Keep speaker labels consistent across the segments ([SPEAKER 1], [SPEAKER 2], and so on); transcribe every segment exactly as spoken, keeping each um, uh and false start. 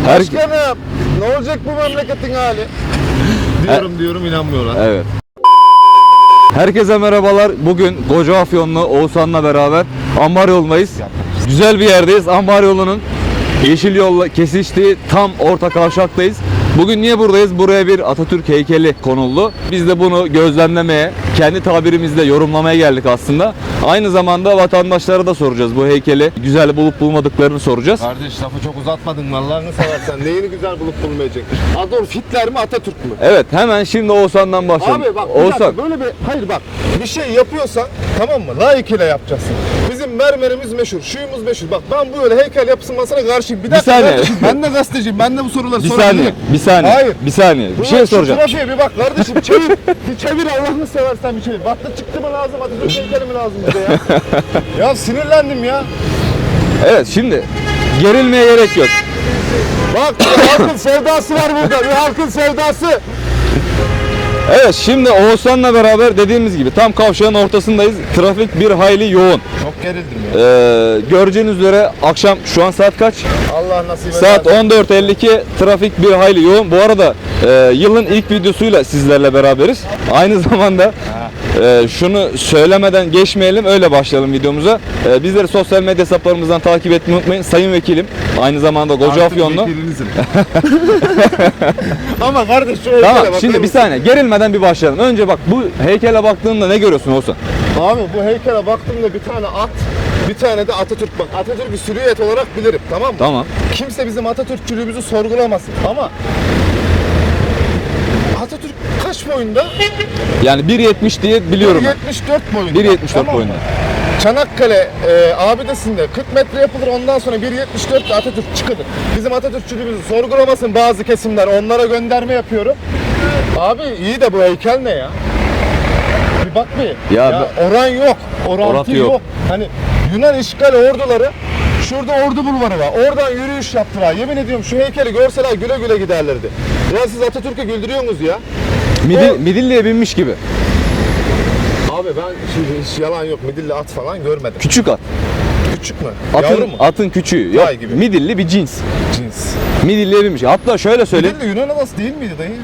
[SPEAKER 1] Her...
[SPEAKER 2] Başkanım ne olacak bu memleketin hali? Diyorum Her... diyorum inanmıyorlar.
[SPEAKER 1] Evet. Herkese merhabalar. Bugün Kocaafyonlu Oğuzhan'la beraber Ambar yolundayız. Güzel bir yerdeyiz. Ambar yolunun yeşil yolla kesiştiği tam orta kavşaktayız. Bugün niye buradayız? Buraya bir Atatürk heykeli konuldu. Biz de bunu gözlemlemeye, kendi tabirimizle yorumlamaya geldik aslında. Aynı zamanda vatandaşlara da soracağız. Bu heykeli güzel bulup bulmadıklarını soracağız.
[SPEAKER 2] Kardeş lafı çok uzatmadın Allah'ını seversen. Neyini güzel bulup bulmayacak? Adolf Hitler mi Atatürk mü?
[SPEAKER 1] Evet, hemen şimdi Oğuzhan'dan başlayalım.
[SPEAKER 2] Abi bak bir
[SPEAKER 1] Oğuzhan.
[SPEAKER 2] dakika, böyle bir hayır bak bir şey yapıyorsan tamam mı? Layıkıyla yapacaksın. Bizim mermerimiz meşhur, şuyumuz meşhur. Bak ben böyle heykel yapısına karşıyım. Bir dakika.
[SPEAKER 1] Bir saniye.
[SPEAKER 2] Kardeşim, ben de gazeteciyim. Ben de bu soruları
[SPEAKER 1] Bir
[SPEAKER 2] sorabilirim.
[SPEAKER 1] saniye. Bir saniye.
[SPEAKER 2] Hayır.
[SPEAKER 1] Bir saniye. Bir
[SPEAKER 2] Ulan
[SPEAKER 1] şey
[SPEAKER 2] şu
[SPEAKER 1] soracağım.
[SPEAKER 2] trafiğe bir bak kardeşim. Çevir. Bir çevir Allah'ını seversen bir çevir. Battı çıktı mı lazım? Atatürk heykeli mi lazım bize ya? Ya sinirlendim ya.
[SPEAKER 1] Evet, şimdi gerilmeye gerek yok.
[SPEAKER 2] Bak bir halkın sevdası var burada. Bir halkın sevdası.
[SPEAKER 1] Evet, şimdi Oğuzhan'la beraber dediğimiz gibi tam kavşağın ortasındayız. Trafik bir hayli yoğun.
[SPEAKER 2] Çok gerildim ya.
[SPEAKER 1] Ee, göreceğiniz üzere akşam şu an saat kaç?
[SPEAKER 2] Allah nasip eder.
[SPEAKER 1] Saat on dört elli iki, trafik bir hayli yoğun. Bu arada e, yılın ilk videosuyla sizlerle beraberiz. Aynı zamanda e, şunu söylemeden geçmeyelim, öyle başlayalım videomuza. E, bizleri sosyal medya hesaplarımızdan takip etmeyi unutmayın. Sayın Vekilim, aynı zamanda Kocaafyonlu.
[SPEAKER 2] Ama kardeş şu
[SPEAKER 1] Tamam,
[SPEAKER 2] heykele
[SPEAKER 1] şimdi
[SPEAKER 2] bakar
[SPEAKER 1] bir saniye gerilmeden bir başlayalım. Önce bak, bu heykele baktığında ne görüyorsun Oğuzhan?
[SPEAKER 2] Abi bu heykele baktığımda bir tane at, bir tane de Atatürk bak. Atatürk'ü silüet olarak bilirim, tamam mı?
[SPEAKER 1] Tamam.
[SPEAKER 2] Kimse bizim Atatürkçülüğümüzü sorgulamasın ama Atatürk kaç boyunda?
[SPEAKER 1] Yani bir yetmiş diye biliyorum ben.
[SPEAKER 2] bir yetmiş dört boyunda.
[SPEAKER 1] bir yetmiş dört
[SPEAKER 2] tamam mı?
[SPEAKER 1] boyunda.
[SPEAKER 2] Çanakkale e, abidesinde kırk metre yapılır, ondan sonra bir yetmiş dört Atatürk çıkılır. Bizim Atatürkçülüğümüzü sorgulamasın bazı kesimler, onlara gönderme yapıyorum. Abi iyi de bu heykel ne ya? Bir bak bir.
[SPEAKER 1] Ya
[SPEAKER 2] Ya, oran yok. Orantı
[SPEAKER 1] Orantı
[SPEAKER 2] yok.
[SPEAKER 1] yok.
[SPEAKER 2] Hani Yunan işgal orduları şurada ordu bulvarı var. Oradan yürüyüş yaptılar. Yemin ediyorum şu heykeli görseler güle güle giderlerdi. Ya siz Atatürk'ü güldürüyorsunuz ya.
[SPEAKER 1] Midil,
[SPEAKER 2] O-
[SPEAKER 1] Midilli'ye binmiş gibi.
[SPEAKER 2] Abi ben şimdi hiç yalan yok. Midilli at falan görmedim.
[SPEAKER 1] Küçük at.
[SPEAKER 2] Küçük mü?
[SPEAKER 1] Atın,
[SPEAKER 2] Yavru mu?
[SPEAKER 1] atın küçüğü. Yok.
[SPEAKER 2] Vay gibi.
[SPEAKER 1] Midilli bir cins.
[SPEAKER 2] Cins.
[SPEAKER 1] Midilli'ye binmiş. Hatta şöyle söyleyeyim.
[SPEAKER 2] Midilli Yunan adası değil miydi dayı?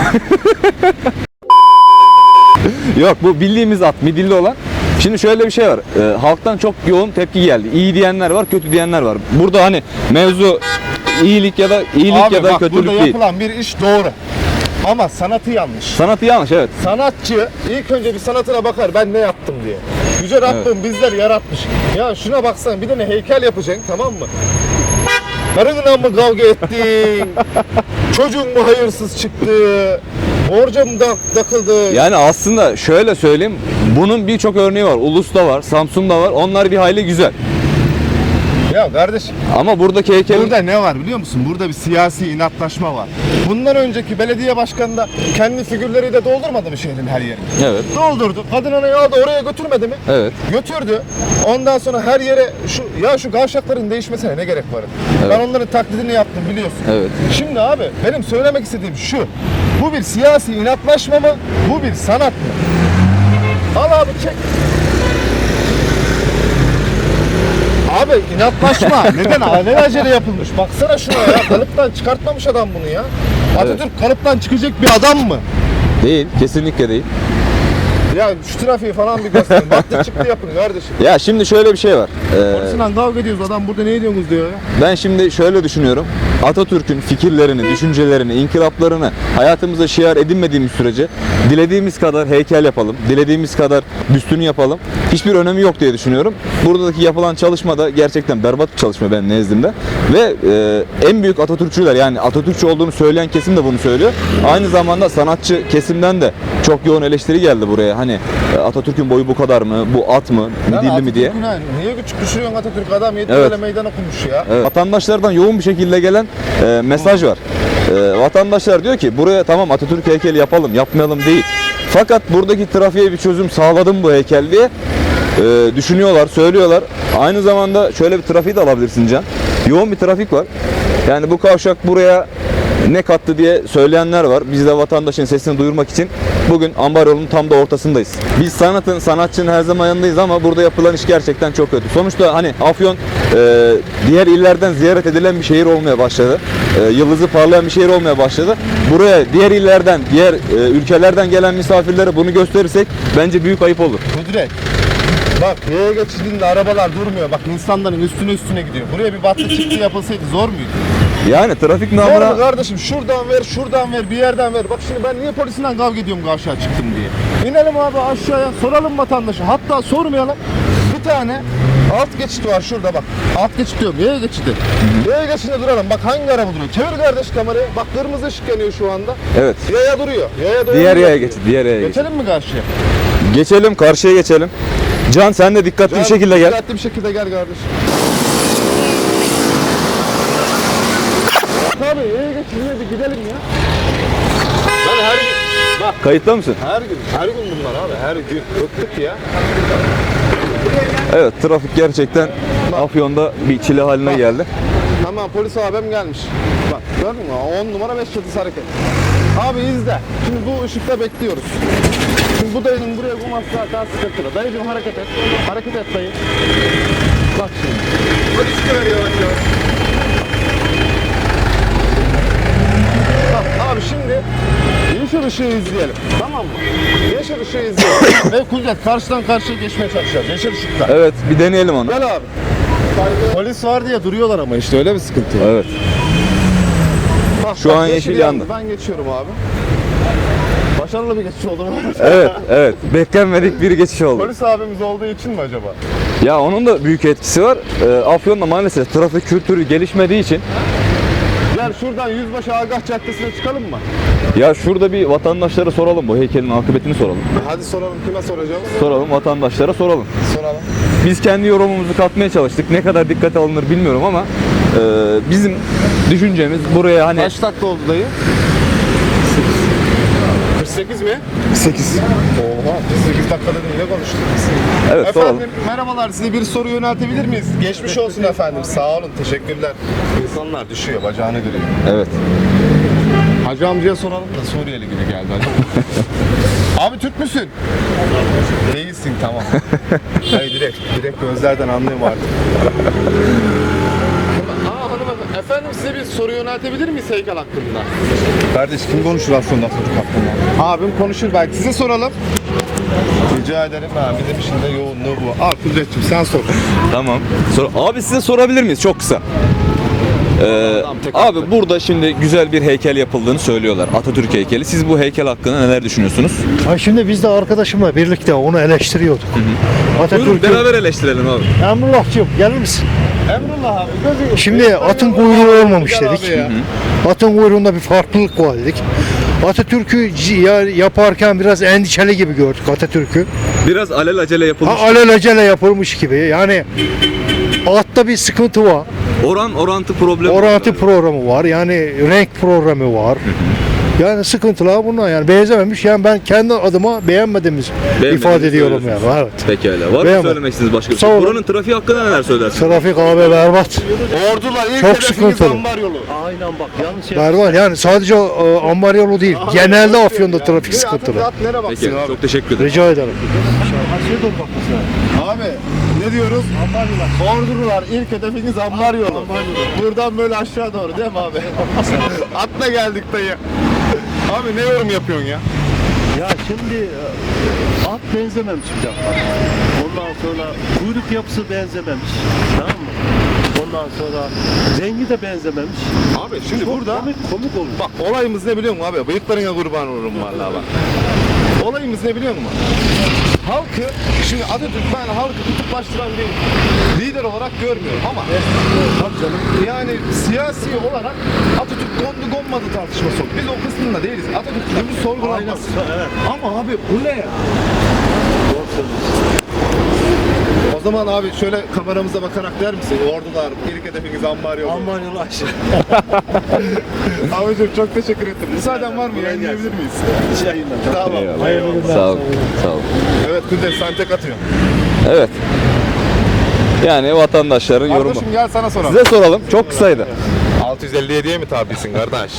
[SPEAKER 1] Yok, bu bildiğimiz at, midilli olan. Şimdi şöyle bir şey var. Ee, halktan çok yoğun tepki geldi. İyi diyenler var, kötü diyenler var. Burada hani mevzu iyilik ya da iyilik
[SPEAKER 2] Abi
[SPEAKER 1] ya da
[SPEAKER 2] bak
[SPEAKER 1] kötülük
[SPEAKER 2] burada
[SPEAKER 1] değil.
[SPEAKER 2] yapılan bir iş doğru. Ama sanatı yanlış.
[SPEAKER 1] Sanatı yanlış, evet.
[SPEAKER 2] Sanatçı ilk önce bir sanatına bakar ben ne yaptım diye. Yüce Rabbim bizler yaratmış. Ya şuna baksana bir de ne heykel yapacaksın, tamam mı? Karınla mı kavga ettin? Çocuğun mu hayırsız çıktı? Borca mı da takıldı?
[SPEAKER 1] Yani aslında şöyle söyleyeyim. Bunun birçok örneği var. Ulus'ta var, Samsun'da var. Onlar bir hayli güzel.
[SPEAKER 2] Ya kardeşim
[SPEAKER 1] Ama buradaki heykel...
[SPEAKER 2] burada ne var biliyor musun? Burada bir siyasi inatlaşma var. Bundan önceki belediye başkanı da kendi figürleriyle doldurmadı mı şehrin her yerini?
[SPEAKER 1] Evet.
[SPEAKER 2] Doldurdu. Kadın anayı aldı oraya götürmedi mi?
[SPEAKER 1] Evet.
[SPEAKER 2] Götürdü. Ondan sonra her yere şu ya şu kavşakların değişmesine ne gerek var?
[SPEAKER 1] Evet.
[SPEAKER 2] Ben onların taklidini yaptım biliyorsun.
[SPEAKER 1] Evet.
[SPEAKER 2] Şimdi abi benim söylemek istediğim şu. Bu bir siyasi inatlaşma mı? Bu bir sanat mı? Al abi çek. Abi inatlaşma. Neden? Alelacele yapılmış. Baksana şuna ya. Kalıptan çıkartmamış adam bunu ya. Atatürk kalıptan çıkacak bir adam mı?
[SPEAKER 1] Değil, kesinlikle değil.
[SPEAKER 2] Ya şu trafiği falan bir gösterin. Baktı çıktı yapın kardeşim.
[SPEAKER 1] Ya şimdi şöyle bir şey var. Ee,
[SPEAKER 2] Polisinden kavga ediyoruz, adam burada ne ediyorsunuz diyor ya.
[SPEAKER 1] Ben şimdi şöyle düşünüyorum. Atatürk'ün fikirlerini, düşüncelerini, inkılaplarını hayatımıza şiar edinmediğimiz sürece dilediğimiz kadar heykel yapalım, dilediğimiz kadar büstünü yapalım. Hiçbir önemi yok diye düşünüyorum. Buradaki yapılan çalışma da gerçekten berbat bir çalışma benim nezdimde. Ve e, en büyük Atatürkçüler, yani Atatürkçü olduğunu söyleyen kesim de bunu söylüyor. Aynı zamanda sanatçı kesimden de çok yoğun eleştiri geldi buraya. Hani Atatürk'ün boyu bu kadar mı, bu at mı, midilli mi diye.
[SPEAKER 2] Ha, niye küçük düşürüyorsun Atatürk, adam yedi
[SPEAKER 1] Evet.
[SPEAKER 2] böyle meydan okumuş ya.
[SPEAKER 1] Evet. Vatandaşlardan yoğun bir şekilde gelen e, mesaj var. E, vatandaşlar diyor ki buraya tamam Atatürk heykeli yapalım, yapmayalım değil. Fakat buradaki trafiğe bir çözüm sağladım bu heykel diye e, düşünüyorlar, söylüyorlar. Aynı zamanda şöyle bir trafiği de alabilirsin Can. Yoğun bir trafik var. Yani bu kavşak buraya ne kattı diye söyleyenler var. Biz de vatandaşın sesini duyurmak için bugün ambar yolunun tam da ortasındayız. Biz sanatın, sanatçının her zaman yanındayız ama burada yapılan iş gerçekten çok kötü. Sonuçta hani Afyon e, diğer illerden ziyaret edilen bir şehir olmaya başladı. E, yıldızı parlayan bir şehir olmaya başladı. Buraya diğer illerden, diğer e, ülkelerden gelen misafirlere bunu gösterirsek bence büyük ayıp olur.
[SPEAKER 2] Kudret. Bak yaya geçidinde arabalar durmuyor. Bak insanların üstüne üstüne gidiyor. Buraya bir battı çıktı yapılsaydı zor muydu?
[SPEAKER 1] Yani trafik
[SPEAKER 2] Zor mu
[SPEAKER 1] namına
[SPEAKER 2] kardeşim? Şuradan ver, şuradan ver, bir yerden ver. Bak şimdi ben niye polisinden kavga ediyorum aşağı çıktım diye. İnelim abi aşağıya, soralım vatandaşa. Hatta sormayalım. Bir tane alt geçit var şurada bak. Alt geçit diyorum, yaya geçidi. Yaya geçidinde duralım. Bak hangi araba duruyor? Çevir kardeş kamerayı. Bak kırmızı ışık yanıyor şu anda.
[SPEAKER 1] evet.
[SPEAKER 2] Yaya duruyor. Yaya duruyor.
[SPEAKER 1] Diğer yaya geçit, diğer yaya geçit.
[SPEAKER 2] Geçelim mi karşıya?
[SPEAKER 1] Geçelim, karşıya geçelim. Can sen de dikkatli bir şekilde gel.
[SPEAKER 2] Dikkatli bir şekilde gel kardeşim. Abi yaya geçidine bir gidelim ya. Ben her gün, bak
[SPEAKER 1] Kayıtta mısın?
[SPEAKER 2] her gün, her gün bunlar abi, her gün. Bıktık ya.
[SPEAKER 1] Evet, trafik gerçekten Afyon'da bir çile haline geldi.
[SPEAKER 2] Tamam polis abim gelmiş. Bak gördün mü? on numara beş yıldız hareket. Abi izle. Şimdi bu ışıkta bekliyoruz. Şimdi bu dayının buraya bulması zaten sıkıntılı. Dayıcım hareket et. Hareket et dayı. Bak şimdi. Polis görüyor yavaş yavaş. Bak abi şimdi yeşil ışığı izleyelim. Tamam mı? Yeşil ışığı izleyelim. Ve Kudret karşıdan karşıya geçmeye çalışacağız. Yeşil ışıkta.
[SPEAKER 1] Evet, bir deneyelim onu.
[SPEAKER 2] Gel abi. Polis var diye duruyorlar ama işte öyle bir sıkıntı var.
[SPEAKER 1] Evet.
[SPEAKER 2] Bak,
[SPEAKER 1] Şu
[SPEAKER 2] bak,
[SPEAKER 1] an yeşil yandı.
[SPEAKER 2] Ben geçiyorum abi. Başarılı bir geçiş oldu mu?
[SPEAKER 1] Evet, evet. Beklenmedik bir geçiş oldu.
[SPEAKER 2] Polis abimiz olduğu için mi acaba?
[SPEAKER 1] Ya onun da büyük etkisi var. Ee, Afyon'da maalesef trafik kültürü gelişmediği için
[SPEAKER 2] Gel şuradan Yüzbaşı Agah Caddesi'ne çıkalım mı?
[SPEAKER 1] ya şurada bir vatandaşlara soralım, bu heykelin akıbetini soralım.
[SPEAKER 2] Hadi soralım, kime soracağız?
[SPEAKER 1] Soralım, vatandaşlara soralım.
[SPEAKER 2] Soralım.
[SPEAKER 1] Biz kendi yorumumuzu katmaya çalıştık. Ne kadar dikkate alınır bilmiyorum ama e, bizim düşüncemiz buraya hani
[SPEAKER 2] Kaç dakika oldu dayı? kırk sekiz mi?
[SPEAKER 1] sekiz.
[SPEAKER 2] Oha, kırk sekiz dakikada ne konuştuk?
[SPEAKER 1] Evet, soralım.
[SPEAKER 2] Efendim merhabalar, size bir soru yöneltebilir miyiz? Geçmiş olsun efendim, sağ olun, teşekkürler. İnsanlar düşüyor, bacağını görüyor.
[SPEAKER 1] Evet.
[SPEAKER 2] Hacı amcaya soralım da Suriyeli gibi geldi hacı. Abi Türk müsün? Değilsin tamam. Hayır direkt, direkt gözlerden anlıyorum artık. Aa hanımefendi, efendim size bir soru yöneltebilir miyiz heykel hakkında? Kardeş kim konuşur aslında çocuk hakkında? Abim konuşur belki, size soralım. Rica ederim ha, bizim için de yoğunluğu bu. Al Kudret'cim sen sor.
[SPEAKER 1] Tamam. Sor abi size sorabilir miyiz? Çok kısa. Ee,
[SPEAKER 2] Tamam, tek
[SPEAKER 1] abi
[SPEAKER 2] haklı.
[SPEAKER 1] burada şimdi güzel bir heykel yapıldığını söylüyorlar. Atatürk heykeli. Siz bu heykel hakkında neler düşünüyorsunuz?
[SPEAKER 3] Ha şimdi biz de arkadaşımla birlikte onu eleştiriyorduk.
[SPEAKER 1] Buyurun
[SPEAKER 3] Atatürk'ün
[SPEAKER 1] beraber eleştirelim abi.
[SPEAKER 3] Emrullah'cığım gelir misin?
[SPEAKER 2] Emrullah abi. Gözü...
[SPEAKER 3] Şimdi atın kuyruğu olmamış
[SPEAKER 2] Gel
[SPEAKER 3] dedik.
[SPEAKER 2] abi ya.
[SPEAKER 3] Atın kuyruğunda bir farklılık var dedik. Atatürk'ü c- ya- yaparken biraz endişeli gibi gördük Atatürk'ü.
[SPEAKER 1] Biraz alelacele yapılmış.
[SPEAKER 3] Ha, alelacele yapılmış gibi. Yani atta bir sıkıntı var.
[SPEAKER 1] Oran orantı problemi.
[SPEAKER 3] Orantı programı var. Yani renk programı var. Yani sıkıntılar bunlar yani benzememiş. Yani ben kendi adıma beğenmediğimizi
[SPEAKER 1] Beğenmediğinizi
[SPEAKER 3] ifade ediyorum yani.
[SPEAKER 1] söylüyorsunuz.
[SPEAKER 3] Evet.
[SPEAKER 1] Pekala. Var mı
[SPEAKER 3] Beğenmedim.
[SPEAKER 1] söylemek istediğiniz başka bir
[SPEAKER 3] Sağ
[SPEAKER 1] şey?
[SPEAKER 3] olun.
[SPEAKER 1] Buranın trafiği hakkında neler söylersiniz?
[SPEAKER 3] Trafik abi berbat.
[SPEAKER 2] Ordular ilk
[SPEAKER 3] Çok
[SPEAKER 2] hedefiniz
[SPEAKER 3] sıkıntılı.
[SPEAKER 2] ambar yolu.
[SPEAKER 4] Aynen bak yanlış yer.
[SPEAKER 3] Berbat yani sadece e, ambar yolu değil. Genelde Afyon'da trafik
[SPEAKER 2] Bir
[SPEAKER 3] sıkıntılı.
[SPEAKER 2] At nereye baksın
[SPEAKER 1] Peki,
[SPEAKER 2] abi?
[SPEAKER 1] çok teşekkür ederim.
[SPEAKER 3] Rica ederim.
[SPEAKER 4] Aşağıya doğru bakmışlar.
[SPEAKER 2] Abi ne diyoruz? Ambar yolu. Ordular ilk hedefiniz ambar yolu. Buradan böyle aşağı doğru değil mi abi? Atla geldik dayı. Abi ne yorum yapıyorsun ya?
[SPEAKER 4] Ya şimdi e, at benzememiş bir defa. Ondan sonra kuyruk yapısı benzememiş. Tamam mı? Ondan sonra rengi de benzememiş.
[SPEAKER 2] Abi şimdi
[SPEAKER 4] Çok
[SPEAKER 2] burada
[SPEAKER 4] komik, komik olmuş.
[SPEAKER 2] bak olayımız ne biliyor musun abi? Bıyıklarına kurban olurum vallahi bak. Olayımız ne biliyor musun? Halkı, şimdi Atatürk ben halkı kutuplaştıran bir lider olarak görmüyorum ama yani siyasi olarak Atatürk kondu konmadı tartışması yok. Biz o kısmında değiliz. Atatürk'ün bir sorgulanmaz.
[SPEAKER 4] Evet.
[SPEAKER 2] Ama abi bu ne ya? O zaman abi şöyle kameramıza bakarak der misin? Ordular, ilk hedefiniz ambar yolu.
[SPEAKER 4] Aman yolu aşağı.
[SPEAKER 2] Abicim çok teşekkür ettim. Müsaaden var mı? Yayınlayabilir miyiz? Tamam.
[SPEAKER 1] Eyvallah. Sağ olun. Sağ olun.
[SPEAKER 2] Evet Kudret sen tek atıyorsun.
[SPEAKER 1] Evet. Yani vatandaşların yorumu.
[SPEAKER 2] Kardeşim gel sana soralım.
[SPEAKER 1] Size soralım. Çok kısaydı.
[SPEAKER 2] altı yüz elli yediye mi tabisin kardeş?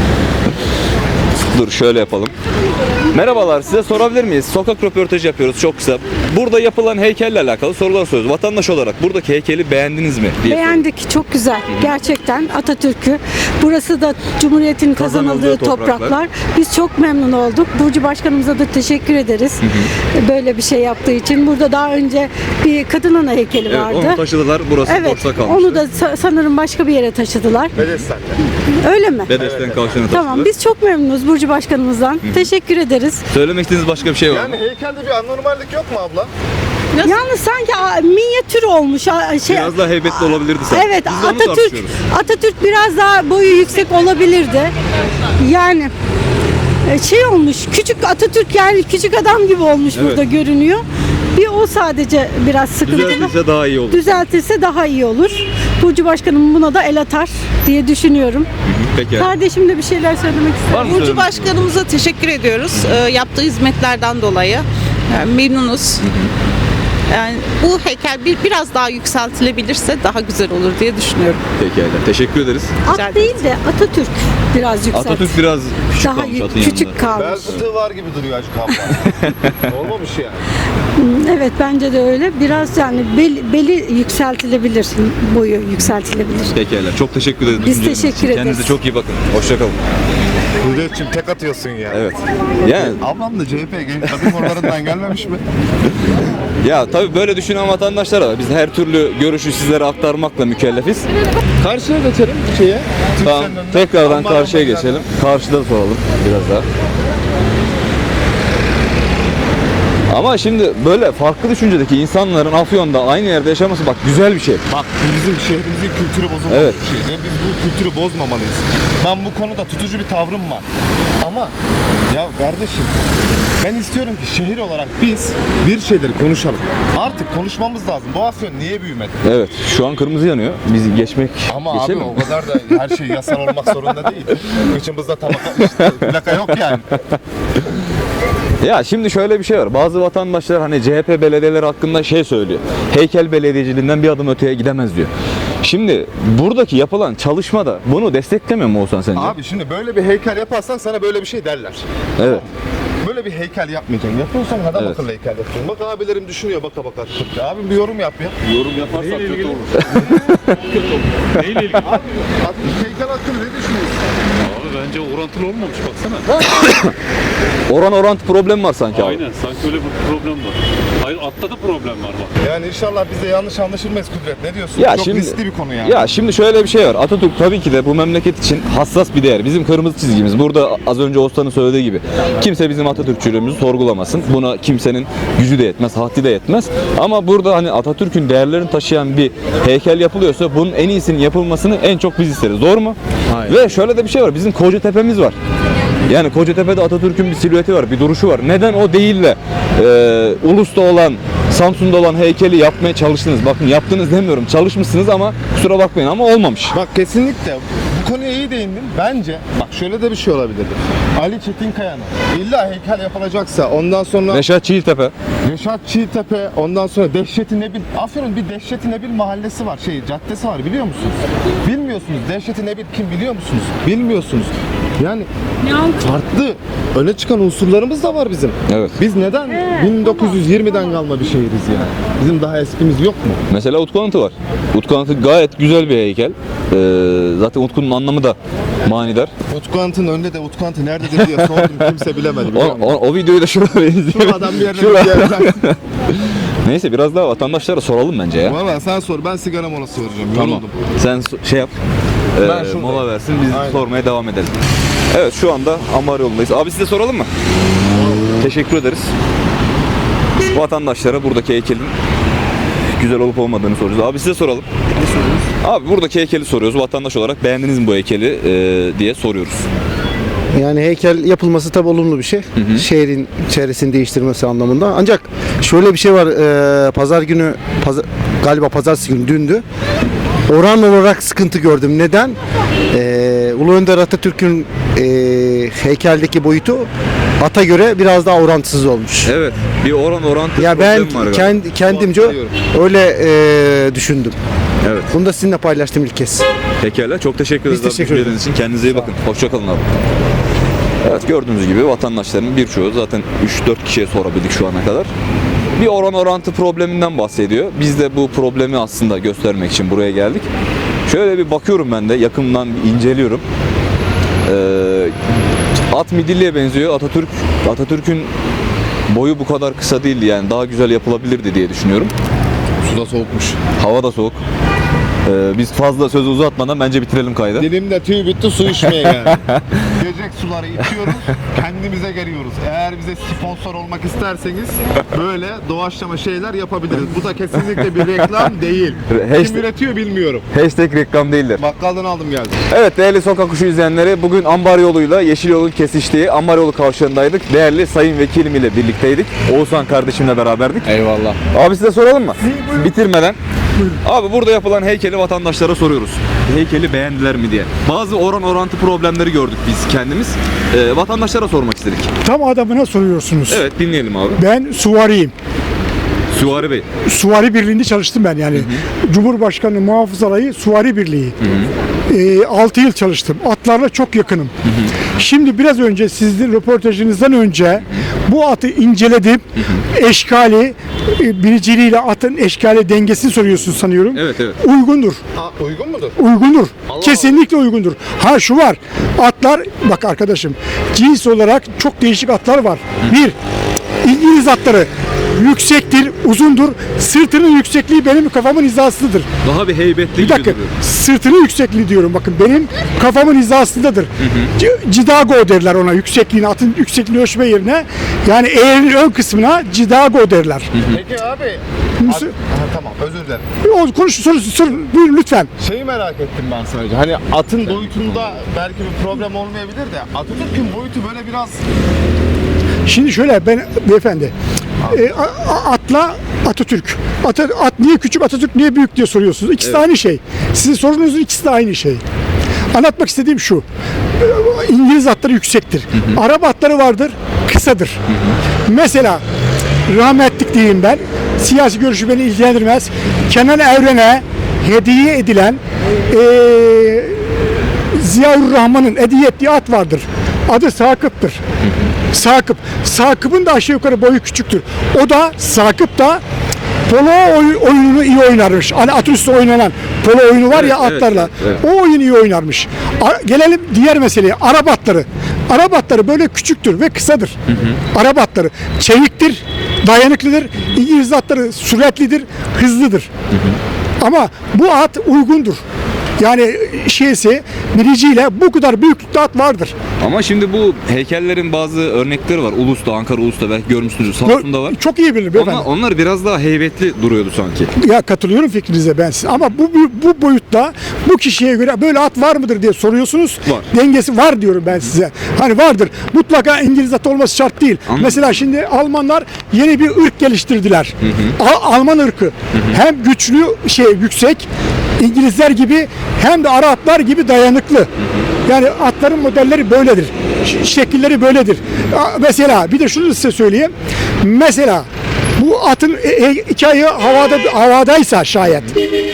[SPEAKER 1] Dur şöyle yapalım. Merhabalar, size sorabilir miyiz? Sokak röportajı yapıyoruz çok kısa. Burada yapılan heykelle alakalı sorular soruyoruz. Vatandaş olarak buradaki heykeli beğendiniz mi? diye
[SPEAKER 5] Beğendik, çok güzel. Gerçekten Atatürk'ü. Burası da Cumhuriyet'in
[SPEAKER 1] Kazanıldığı
[SPEAKER 5] kazanıldığı
[SPEAKER 1] topraklar.
[SPEAKER 5] topraklar. Biz çok memnun olduk. Burcu Başkanımıza da teşekkür ederiz. Böyle bir şey yaptığı için. Burada daha önce bir kadın ana heykeli
[SPEAKER 1] Evet,
[SPEAKER 5] vardı.
[SPEAKER 1] onu taşıdılar. Burası
[SPEAKER 5] Evet,
[SPEAKER 1] boşta kalmıştı.
[SPEAKER 5] onu da sa- sanırım başka bir yere taşıdılar.
[SPEAKER 2] Bedesten'de.
[SPEAKER 5] Öyle mi?
[SPEAKER 1] Bedesten kavşağına taşıdılar.
[SPEAKER 5] Tamam, biz çok memnunuz Burcu Başkanımızdan. Teşekkür ederiz.
[SPEAKER 1] Söylemek istediğiniz başka bir şey var mı?
[SPEAKER 2] Yani heykelde bir anormallik yok mu abla?
[SPEAKER 5] Yalnız sanki a, minyatür olmuş. a, Şey,
[SPEAKER 1] Biraz daha heybetli olabilirdi sanki.
[SPEAKER 5] Evet,
[SPEAKER 1] Biz de onu
[SPEAKER 5] Atatürk
[SPEAKER 1] tartışıyoruz.
[SPEAKER 5] Atatürk biraz daha boyu yüksek olabilirdi. Yani e, şey olmuş, küçük Atatürk yani küçük adam gibi olmuş
[SPEAKER 1] Evet.
[SPEAKER 5] burada görünüyor. Bir o sadece biraz sıkıntılı.
[SPEAKER 1] Düzeltirse daha iyi olur.
[SPEAKER 5] Düzeltirse daha iyi olur. Burcu Başkanım buna da el atar diye düşünüyorum.
[SPEAKER 1] Peki.
[SPEAKER 5] Kardeşim de bir şeyler söylemek ister.
[SPEAKER 1] Var mı
[SPEAKER 6] Burcu
[SPEAKER 1] söylemek
[SPEAKER 6] Başkanımıza teşekkür ediyoruz. Ee, yaptığı hizmetlerden dolayı. Yani memnunuz. Yani bu heykel bir biraz daha yükseltilebilirse daha güzel olur diye düşünüyorum.
[SPEAKER 1] Pekala. Teşekkür ederiz.
[SPEAKER 6] Rica
[SPEAKER 5] At değil de Atatürk biraz yükselt.
[SPEAKER 1] Atatürk biraz küçük
[SPEAKER 5] daha
[SPEAKER 1] kalmış
[SPEAKER 5] yü-
[SPEAKER 1] atın
[SPEAKER 5] küçük
[SPEAKER 1] yanında.
[SPEAKER 2] Bel
[SPEAKER 5] kalmış.
[SPEAKER 2] fıtığı var gibi duruyor Acık abla. Olmamış yani.
[SPEAKER 5] Evet bence de öyle. Biraz yani bel- beli yükseltilebilir. Boyu yükseltilebilir.
[SPEAKER 1] Pekala. Çok teşekkür ederiz.
[SPEAKER 5] Biz
[SPEAKER 1] düşünceleriniz
[SPEAKER 5] teşekkür
[SPEAKER 1] için.
[SPEAKER 5] ederiz.
[SPEAKER 1] Kendinize çok iyi bakın. Hoşçakalın.
[SPEAKER 2] Hürriyetçim tek atıyorsun ya.
[SPEAKER 1] Evet. Yani
[SPEAKER 2] Ablam da C H P genç kadın kollarından gelmemiş mi?
[SPEAKER 1] ya tabii böyle düşünen vatandaşlar var. Biz her türlü görüşü sizlere aktarmakla mükellefiz. Karşıya geçelim şeye. Tamam.
[SPEAKER 2] Türkcell'in önüne.
[SPEAKER 1] Tekrardan
[SPEAKER 2] Aman
[SPEAKER 1] karşıya
[SPEAKER 2] aman
[SPEAKER 1] geçelim. Karşıda soralım biraz daha. Ama şimdi böyle farklı düşüncedeki insanların Afyon'da aynı yerde yaşaması bak güzel bir şey.
[SPEAKER 2] Bak bizim şehrimizin kültürü bozulmuş
[SPEAKER 1] Evet.
[SPEAKER 2] bir şey. Ve biz bu kültürü bozmamalıyız. Ben bu konuda tutucu bir tavrım var. Ama ya kardeşim ben istiyorum ki şehir olarak biz bir şeyleri konuşalım. Artık konuşmamız lazım. Bu Afyon niye büyümedi?
[SPEAKER 1] Evet. Şu an kırmızı yanıyor. Biz geçmek
[SPEAKER 2] Ama
[SPEAKER 1] geçelim
[SPEAKER 2] abi
[SPEAKER 1] mi?
[SPEAKER 2] o kadar da her şey yasal olmak zorunda değil. Kıçımızda tabaka işte, plaka yok yani.
[SPEAKER 1] Ya şimdi şöyle bir şey var. Bazı vatandaşlar hani C H P belediyeleri hakkında şey söylüyor. Heykel belediyeciliğinden bir adım öteye gidemez diyor. Şimdi buradaki yapılan çalışmada bunu desteklemiyor mu Oğuzhan sence?
[SPEAKER 2] Abi şimdi böyle bir heykel yaparsan sana böyle bir şey derler.
[SPEAKER 1] Evet.
[SPEAKER 2] Böyle bir heykel yapmayacaksın. Yapıyorsan adam
[SPEAKER 1] Evet.
[SPEAKER 2] akıllı heykel yapacaksın. Bak abilerim düşünüyor baka baka. Abi bir yorum yap ya.
[SPEAKER 1] Yorum yaparsak kötü olur.
[SPEAKER 7] Neyle ilgili?
[SPEAKER 2] Abi heykel hakkında ne düşünüyorsun?
[SPEAKER 7] Abi bence orantılı olmamış baksana.
[SPEAKER 1] Oran orantı problem var sanki abi.
[SPEAKER 7] Aynen sanki öyle bir problem var. Hayır altta da problem var bak.
[SPEAKER 2] Yani inşallah biz de yanlış anlaşılmayız Kudret. Ne diyorsun?
[SPEAKER 1] Ya
[SPEAKER 2] Çok
[SPEAKER 1] şimdi,
[SPEAKER 2] riskli bir konu yani.
[SPEAKER 1] Ya şimdi şöyle bir şey var. Atatürk tabii ki de bu memleket için hassas bir değer. Bizim kırmızı çizgimiz. Burada az önce Oğuzhan'ın söylediği gibi. Kimse bizim Atatürkçülüğümüzü sorgulamasın. Buna kimsenin gücü de yetmez, haddi de yetmez. Ama burada hani Atatürk'ün değerlerini taşıyan bir heykel yapılıyorsa bunun en iyisinin yapılmasını en çok biz isteriz. Doğru mu? Ve şöyle de bir şey var. Bizim Kocatepe'miz var. Yani Kocatepe'de Atatürk'ün bir silüeti var, bir duruşu var. Neden o değil de e, Ulus'ta olan, Samsun'da olan heykeli yapmaya çalıştınız? Bakın yaptınız demiyorum, çalışmışsınız ama kusura bakmayın ama olmamış.
[SPEAKER 2] Bak kesinlikle bu konuya iyi değindin. Bence bak şöyle de bir şey olabilirdi. Ali Çetinkaya'nın illa heykel yapılacaksa ondan sonra
[SPEAKER 1] Reşat Çiğiltepe.
[SPEAKER 2] Reşat Çiğtepe, ondan sonra Dehşet-i Nebil. Afyon'un bir Dehşet-i Nebil mahallesi var, şey caddesi var biliyor musunuz? Bilmiyorsunuz. Dehşet-i Nebil kim biliyor musunuz? Bilmiyorsunuz. Yani farklı öne çıkan unsurlarımız da var bizim.
[SPEAKER 1] Evet.
[SPEAKER 2] Biz neden bin dokuz yüz yirmiden kalma bir şehiriz yani? Bizim daha eskimiz yok mu?
[SPEAKER 1] Mesela Utku Anıtı var. Utku Anıtı gayet güzel bir heykel. Ee, zaten Utku'nun anlamı da manidar.
[SPEAKER 2] Utku Anıtı'nın önünde de Utku Anıtı nerededir diye sordum, kimse bilemedi.
[SPEAKER 1] O,
[SPEAKER 2] biliyor musun?
[SPEAKER 1] o, o videoyu da şurada izleyelim.
[SPEAKER 2] Şuradan bir yerden
[SPEAKER 1] Şurada.
[SPEAKER 2] bir yerden.
[SPEAKER 1] Neyse biraz daha vatandaşlara soralım bence ya.
[SPEAKER 2] Valla sen sor, ben sigara molası vereceğim.
[SPEAKER 1] Tamam.
[SPEAKER 2] Yoruldum.
[SPEAKER 1] Sen so- şey yap.
[SPEAKER 2] Ben
[SPEAKER 1] Ee,
[SPEAKER 2] şuradayım.
[SPEAKER 1] mola versin biz
[SPEAKER 2] Aynen.
[SPEAKER 1] sormaya devam edelim. Evet şu anda Ambar yolundayız. Abi size soralım mı? Teşekkür ederiz. Vatandaşlara buradaki heykelin güzel olup olmadığını soruyoruz. Abi size soralım. Abi buradaki heykeli soruyoruz. Vatandaş olarak beğendiniz mi bu heykeli e, diye soruyoruz.
[SPEAKER 8] Yani heykel yapılması tabii olumlu bir şey. Şehrin çevresini değiştirmesi anlamında. Ancak şöyle bir şey var. e, pazar günü, pazar, galiba pazartesi günü dündü. Oran olarak sıkıntı gördüm. Neden? E, Ulu Önder Atatürk'ün e, heykeldeki boyutu ata göre biraz daha orantısız olmuş.
[SPEAKER 1] Evet. Bir oran orantı
[SPEAKER 8] Ya ben
[SPEAKER 1] problem var galiba.
[SPEAKER 8] kendi, kendimce
[SPEAKER 2] Katılıyorum.
[SPEAKER 8] öyle e, düşündüm.
[SPEAKER 1] Evet.
[SPEAKER 8] Bunu da sizinle paylaştım ilk kez.
[SPEAKER 1] Pekala. Çok teşekkür ederiz abi
[SPEAKER 8] teşekkür
[SPEAKER 1] düşünceleriniz için. Kendinize iyi bakın. Hoşçakalın abi. Evet, gördüğünüz gibi vatandaşların birçoğu zaten üç dört kişiye sorabildik şu ana kadar. Bir oran orantı probleminden bahsediyor. Biz de bu problemi aslında göstermek için buraya geldik. Şöyle bir bakıyorum ben de yakından bir inceliyorum. Ee, at midilliye benziyor. Atatürk Atatürk'ün boyu bu kadar kısa değildi, yani daha güzel yapılabilirdi diye düşünüyorum.
[SPEAKER 2] Suda soğukmuş.
[SPEAKER 1] Hava da soğuk. Ee, biz fazla sözü uzatmadan bence bitirelim kaydı.
[SPEAKER 2] Dilimde tüy bitti su içmeye yani. Gelecek suları içiyoruz, kendimize geliyoruz. Eğer bize sponsor olmak isterseniz böyle doğaçlama şeyler yapabiliriz. Bu da kesinlikle bir reklam değil.
[SPEAKER 1] Hashtag-
[SPEAKER 2] Kim üretiyor bilmiyorum.
[SPEAKER 1] Hashtag reklam değildir.
[SPEAKER 2] Bakkaldan aldım geldim.
[SPEAKER 1] Evet değerli Sokak Kuşu izleyenleri, bugün Ambar yoluyla Yeşil yolun kesiştiği Ambar yolu kavşağındaydık. Değerli Sayın Vekilim ile birlikteydik. Oğuzhan kardeşimle beraberdik.
[SPEAKER 2] Eyvallah.
[SPEAKER 1] Abi size soralım mı? Bitirmeden. Abi burada yapılan heykeli vatandaşlara soruyoruz. Heykeli beğendiler mi diye. Bazı oran orantı problemleri gördük biz kendimiz. Ee, vatandaşlara sormak istedik.
[SPEAKER 9] Tam adamına soruyorsunuz.
[SPEAKER 1] Evet, dinleyelim abi.
[SPEAKER 9] Ben suvariyim.
[SPEAKER 1] Süvari Bey.
[SPEAKER 9] Suvari Birliği'nde çalıştım ben yani. Cumhurbaşkanı Muhafız Alayı Suvari Birliği. Ee, altı yıl çalıştım. Atlarla çok yakınım. Şimdi biraz önce sizin röportajınızdan önce bu atı inceledim. Eşkali, e, biriciliğiyle atın eşkali dengesini soruyorsun sanıyorum.
[SPEAKER 1] Evet evet.
[SPEAKER 9] Uygundur.
[SPEAKER 2] Aa, uygun mudur?
[SPEAKER 9] Uygundur.
[SPEAKER 2] Allah
[SPEAKER 9] Kesinlikle uygundur. Ha şu var. Atlar bak arkadaşım. Cins olarak çok değişik atlar var. Bir, İngiliz atları yüksektir, uzundur. Sırtının yüksekliği benim kafamın hizasındadır.
[SPEAKER 1] Daha bir heybetli
[SPEAKER 9] Bir
[SPEAKER 1] gibi
[SPEAKER 9] dakika.
[SPEAKER 1] duruyor.
[SPEAKER 9] Sırtının yüksekliği diyorum. Bakın benim kafamın hizasındadır. C- Cidago derler ona, yüksekliğini, atın yüksekliğini ölçme yerine. Yani eğerin ön kısmına cidago derler.
[SPEAKER 2] Peki abi.
[SPEAKER 9] Müsa-
[SPEAKER 2] At- Ha, tamam özür dilerim.
[SPEAKER 9] O konuş soru sor buyurun lütfen.
[SPEAKER 2] Şeyi merak ettim ben sadece. Hani atın boyutunda belki bir problem olmayabilir de Atatürk'ün boyutu böyle biraz
[SPEAKER 9] Şimdi şöyle ben beyefendi e, a- a- atla Atatürk. At, at niye küçük, Atatürk niye büyük diye soruyorsunuz. İkisi de aynı şey. Sizin sorunuzun ikisi de aynı şey. Anlatmak istediğim şu. e, İngiliz atları yüksektir. Arap atları vardır, kısadır. Mesela rahmetlik diyeyim ben. Siyasi görüşü beni ilgilendirmez. Kenan Evren'e hediye edilen eee Ziyaurrahman'ın hediye ettiği at vardır. Adı Sakıp'tır. Sakıp. Sakıp'ın da aşağı yukarı boyu küçüktür. O da Sakıp da polo oy- oyununu iyi oynarmış. Hani at üstü oynanan polo oyunu var ya
[SPEAKER 1] Evet, evet,
[SPEAKER 9] atlarla.
[SPEAKER 1] evet,
[SPEAKER 9] O oyunu iyi oynarmış. A- gelelim diğer meseleye. Arap atları. Arap atları böyle küçüktür ve kısadır. Arap atları çeviktir, dayanıklıdır. İngiliz atları süratlidir, hızlıdır. Ama bu at uygundur. Yani şeysi biriciyle bu kadar büyüklükte at vardır.
[SPEAKER 1] Ama şimdi bu heykellerin bazı örnekleri var. Ulus'ta, Ankara Ulus'ta belki görmüşsünüzdür. Samsun'da var.
[SPEAKER 9] Çok iyi bilir beyefendi.
[SPEAKER 1] Onlar, onlar biraz daha heybetli duruyordu sanki.
[SPEAKER 9] Ya katılıyorum fikrinize ben size. Ama bu, bu bu boyutta bu kişiye göre böyle at var mıdır diye soruyorsunuz.
[SPEAKER 1] Var.
[SPEAKER 9] Dengesi var diyorum ben size. Hani vardır. Mutlaka İngiliz atı olması şart değil.
[SPEAKER 1] Anladım.
[SPEAKER 9] Mesela şimdi Almanlar yeni bir ırk geliştirdiler. Al- Alman ırkı. Hem güçlü, şey yüksek İngilizler gibi hem de Araplar gibi dayanıklı. Yani atların modelleri böyledir. Ş- şekilleri böyledir. A- Mesela bir de şunu size söyleyeyim. Mesela bu atın e, e, iki ayağı havada havadaysa şayet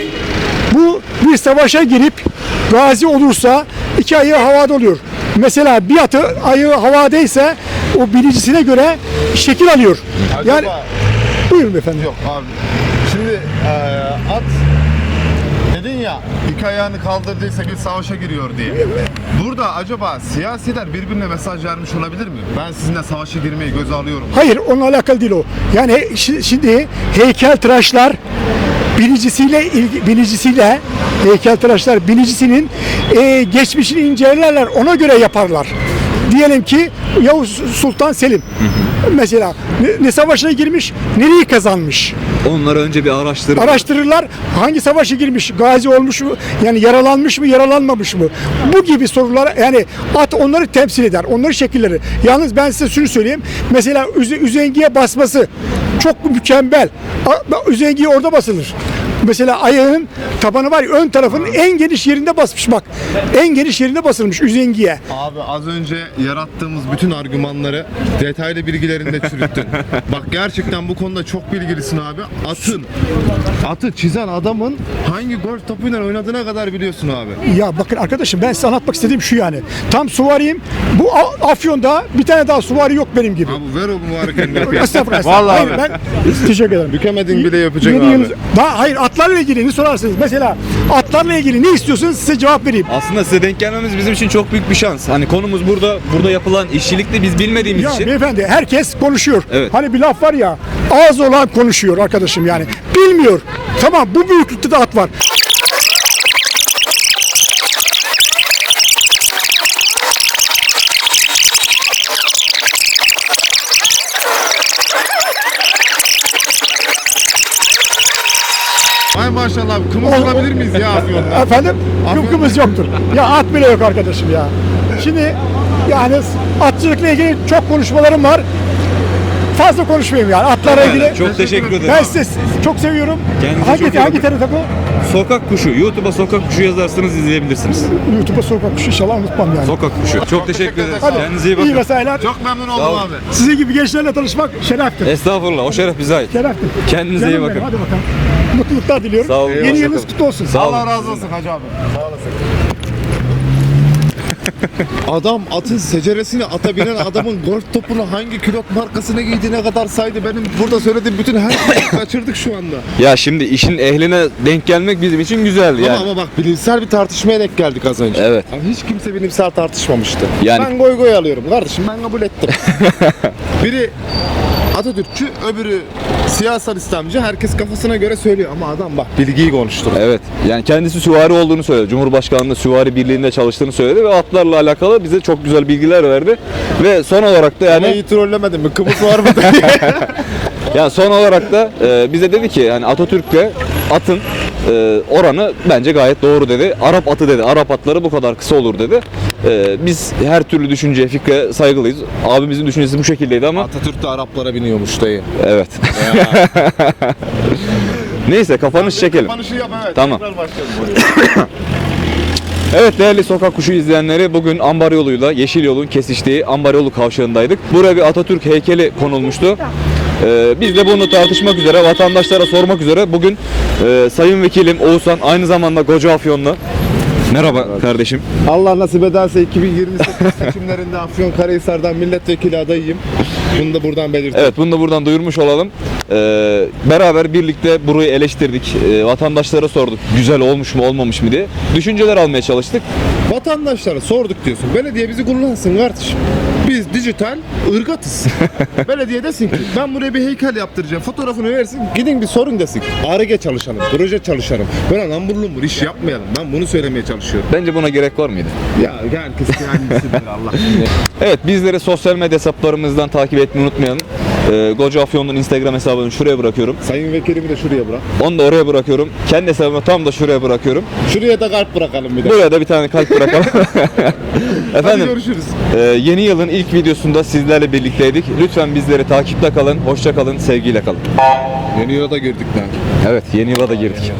[SPEAKER 9] bu bir savaşa girip gazi olursa iki ayağı havada oluyor. Mesela bir atı ayağı havadaysa o birincisine göre şekil alıyor.
[SPEAKER 2] acaba
[SPEAKER 9] Yani buyurun efendim.
[SPEAKER 2] yok abi. Şimdi eee, at dedin ya iki ayağını kaldırdıysa bir savaşa giriyor diye. Burada acaba siyasiler birbirine mesaj vermiş olabilir mi? Ben sizinle savaşa girmeyi göze alıyorum.
[SPEAKER 9] Hayır, onunla alakalı değil o. Yani şi- şimdi heykeltıraşlar binicisiyle ilgi, binicisiyle heykeltıraşlar binicisinin e, geçmişini incelerler, ona göre yaparlar. Diyelim ki Yavuz Sultan Selim mesela ne, ne savaşına girmiş, nereyi kazanmış?
[SPEAKER 1] Onları önce bir araştırıp
[SPEAKER 9] Araştırırlar, hangi savaşa girmiş, gazi olmuş mu, yani yaralanmış mı, yaralanmamış mı? Bu gibi sorular, yani at onları temsil eder, onları şekilleri. Yalnız ben size şunu söyleyeyim, mesela üze, üzengiye basması çok mükemmel. A- Üzengiye orada basılır. Mesela ayağın tabanı var ya, ön tarafının en geniş yerinde basmış bak. En geniş yerinde basılmış üzengiye.
[SPEAKER 2] Abi az önce yarattığımız bütün argümanları detaylı bilgilerinde çürüttün. Bak gerçekten bu konuda çok bilgilisin abi. Atın, atı çizen adamın hangi golf topuyla oynadığına kadar biliyorsun abi.
[SPEAKER 9] Ya bakın arkadaşım, ben size anlatmak istediğim şu yani. Tam suvariyim. Bu A- Afyon'da bir tane daha suvari yok benim gibi.
[SPEAKER 2] Abi ver o mübarek kendini öpeyim.
[SPEAKER 9] Estağfurullah.
[SPEAKER 2] Vallahi
[SPEAKER 9] Hayır,
[SPEAKER 2] abi.
[SPEAKER 9] ben teşekkür ederim.
[SPEAKER 2] Bükemedin bile yapacak
[SPEAKER 9] Yeni
[SPEAKER 2] abi.
[SPEAKER 9] yılınız- Daha hayır, atlarla ilgili ne sorarsınız? Mesela atlarla ilgili ne istiyorsunuz, size cevap vereyim.
[SPEAKER 1] Aslında size denk gelmemiz bizim için çok büyük bir şans. Hani konumuz burada, burada yapılan işçilikte biz bilmediğimiz
[SPEAKER 9] Ya
[SPEAKER 1] için.
[SPEAKER 9] beyefendi, herkes konuşuyor.
[SPEAKER 1] Evet.
[SPEAKER 9] Hani bir laf var ya, ağzı olan konuşuyor arkadaşım yani. Bilmiyor. Tamam, bu büyüklükte de at var.
[SPEAKER 2] Ay maşallah abi, kımız
[SPEAKER 9] O-
[SPEAKER 2] olabilir miyiz ya Afyon'da?
[SPEAKER 9] Efendim? Kıpkımız yoktur. Ya at bile yok arkadaşım ya. Şimdi yani atçılıkla ilgili çok konuşmalarım var. Fazla konuşmayayım yani atlarla ilgili.
[SPEAKER 1] Çok teşekkür ederim.
[SPEAKER 9] Ben sizi çok seviyorum.
[SPEAKER 1] Kendinize
[SPEAKER 9] hangi
[SPEAKER 1] çok iyi
[SPEAKER 9] hangi
[SPEAKER 1] bakın.
[SPEAKER 9] tarafa bu?
[SPEAKER 1] Sokak Kuşu, YouTube'a Sokak Kuşu yazarsanız izleyebilirsiniz.
[SPEAKER 9] YouTube'a sokak kuşu, inşallah unutmam yani.
[SPEAKER 1] Sokak Kuşu. Çok teşekkür ederiz.
[SPEAKER 9] Hadi,
[SPEAKER 1] Kendinize iyi
[SPEAKER 9] iyi
[SPEAKER 1] bakın.
[SPEAKER 9] mesailer.
[SPEAKER 2] Çok memnun oldum
[SPEAKER 1] ol.
[SPEAKER 2] abi.
[SPEAKER 9] Sizin gibi gençlerle tanışmak şereftir.
[SPEAKER 1] Estağfurullah. O şeref bize ait.
[SPEAKER 9] Şereftir.
[SPEAKER 1] Kendinize iyi
[SPEAKER 9] Canım
[SPEAKER 1] bakın.
[SPEAKER 9] benim, hadi bakalım. Mutluluklar diliyorum.
[SPEAKER 1] Sağ olun,
[SPEAKER 9] Yeni
[SPEAKER 1] hoşça
[SPEAKER 9] yılınız
[SPEAKER 1] kalın.
[SPEAKER 9] kutlu olsun.
[SPEAKER 1] Sağ olun.
[SPEAKER 2] Allah razı olsun hacı abi. Sağ olasın. Adam atın seceresini ata binen adamın golf topunu hangi külot markasına giydiğine kadar saydı. Benim burada söylediğim bütün her şeyi kaçırdık şu anda.
[SPEAKER 1] Ya şimdi işin ehline denk gelmek bizim için güzel yani.
[SPEAKER 2] Ama, ama bak bilimsel bir tartışmaya denk geldik az önce.
[SPEAKER 1] Evet.
[SPEAKER 2] Ama hiç kimse bilimsel tartışmamıştı.
[SPEAKER 1] Yani-
[SPEAKER 2] Ben goy goy alıyorum kardeşim, ben kabul ettim. Biri Atatürkçü, öbürü siyasal İslamcı, herkes kafasına göre söylüyor ama adam bak bilgiyi konuştu.
[SPEAKER 1] Evet. Yani kendisi süvari olduğunu söyledi. Cumhurbaşkanlığı süvari birliğinde çalıştığını söyledi ve atlarla alakalı bize çok güzel bilgiler verdi. Ve son olarak da
[SPEAKER 2] Ama
[SPEAKER 1] yani
[SPEAKER 2] iyi trollemedin mi? Kımız var mı?
[SPEAKER 1] yani son olarak da e, bize dedi ki yani Atatürk'le atın e, oranı bence gayet doğru dedi. Arap atı dedi. Arap atları bu kadar kısa olur dedi. E, biz her türlü düşünceye, fikre saygılıyız. Abimizin düşüncesi bu şekildeydi ama
[SPEAKER 2] Atatürk de Araplara biniyormuş dayı.
[SPEAKER 1] evet. Neyse kapanış çekelim.
[SPEAKER 2] Kapanışı yap evet.
[SPEAKER 1] Tamam.
[SPEAKER 2] Tekrar başlayalım.
[SPEAKER 1] Evet değerli Sokak Kuşu izleyenleri, bugün Ambar yoluyla Yeşil Yol'un kesiştiği Ambar yolu kavşağındaydık. Buraya bir Atatürk heykeli konulmuştu. Ee, biz de bunu tartışmak üzere, vatandaşlara sormak üzere bugün e, Sayın Vekilim Oğuzhan, aynı zamanda Koca Afyonlu. Merhaba kardeşim.
[SPEAKER 2] Allah nasip ederse iki bin yirmi sekiz seçimlerinde Afyonkarahisar'dan milletvekili adayıyım. Bunu da buradan belirteyim.
[SPEAKER 1] Evet, bunu da buradan duyurmuş olalım. Ee, beraber birlikte burayı eleştirdik. Ee, vatandaşlara sorduk güzel olmuş mu olmamış mı diye. Düşünceler almaya çalıştık.
[SPEAKER 2] Vatandaşlara sorduk diyorsun. Belediye bizi kullansın kardeşim. Biz dijital ırgatız. Belediye desin ki ben buraya bir heykel yaptıracağım. Fotoğrafını versin. Gidin bir sorun desin. Ar-Ge çalışalım. Proje çalışalım. Böyle lambur lumbur iş yapmayalım. Ben bunu söylemeye çalışıyorum.
[SPEAKER 1] Bence buna gerek var mıydı?
[SPEAKER 2] Ya herkes kendisidir Allah.
[SPEAKER 1] Evet, bizleri sosyal medya hesaplarımızdan takip etmeyi unutmayalım. Ee, Koca Afyon'un Instagram hesabını şuraya bırakıyorum.
[SPEAKER 2] Sayın vekilimi de şuraya bırak.
[SPEAKER 1] Onu da oraya bırakıyorum. Kendi hesabımı tam da şuraya bırakıyorum.
[SPEAKER 2] Şuraya da kalp bırakalım bir de.
[SPEAKER 1] Buraya da bir tane kalp bırakalım.
[SPEAKER 2] Hadi
[SPEAKER 1] Efendim,
[SPEAKER 2] görüşürüz.
[SPEAKER 1] e, yeni yılın ilk videosunda sizlerle birlikteydik. Lütfen bizleri takipte kalın, hoşça kalın, sevgiyle kalın.
[SPEAKER 2] Yeni yıla da girdik lan.
[SPEAKER 1] Evet, yeni yıla da girdik.